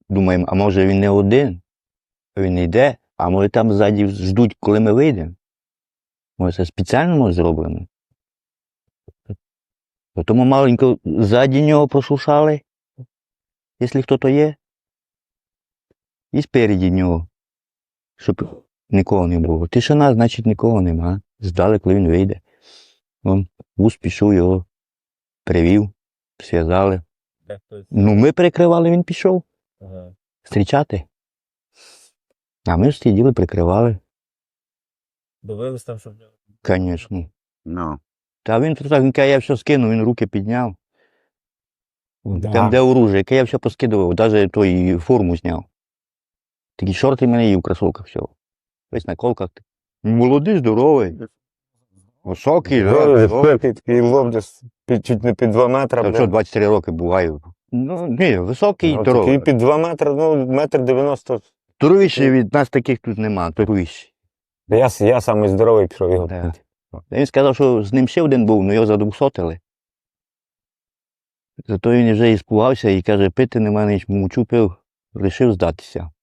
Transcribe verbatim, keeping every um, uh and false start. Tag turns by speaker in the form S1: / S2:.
S1: думаємо, а може він не один, він не йде, а може там ззаді ждуть, коли ми вийдемо. Може це спеціально може зроблено. Тому маленько ззаді нього послушали, якщо хто-то є, і спереді нього, щоб нікого не було. Тишина, значить нікого нема. Ждали, коли він вийде. Вон, вуз пішов, його привів, зв'язали. Ну, ми перекривали, він пішов.
S2: Ага.
S1: Зустрічати. А ми ж сиділи, прикривали.
S2: Дивились там, щоб...
S1: Звісно.
S3: Ну.
S1: Та він так, він каже, я все скинув, він руки підняв.
S2: Да.
S1: Там де оружие, яке я все поскидував, навіть той форму зняв. Такі шорти в мене є в кросовках, все. Весь на колках. Молодий, здоровий. Високий, да.
S3: Такий лоб десь під- чуть не під два метри.
S1: Та що, двадцять чотири роки буваю. Ну, ні, високий і
S3: Ну,
S1: здоровий.
S3: такий під два метри, ну, метр дев'яносто.
S1: Здоровіший від нас таких тут нема, здоровіший.
S3: Я, я самий здоровий пішов його.
S1: Да. Він сказав, що з ним ще один був, але його задвусотили. Зато він вже і спугався і каже, пити нема ніч, мовчу пив, вирішив здатися.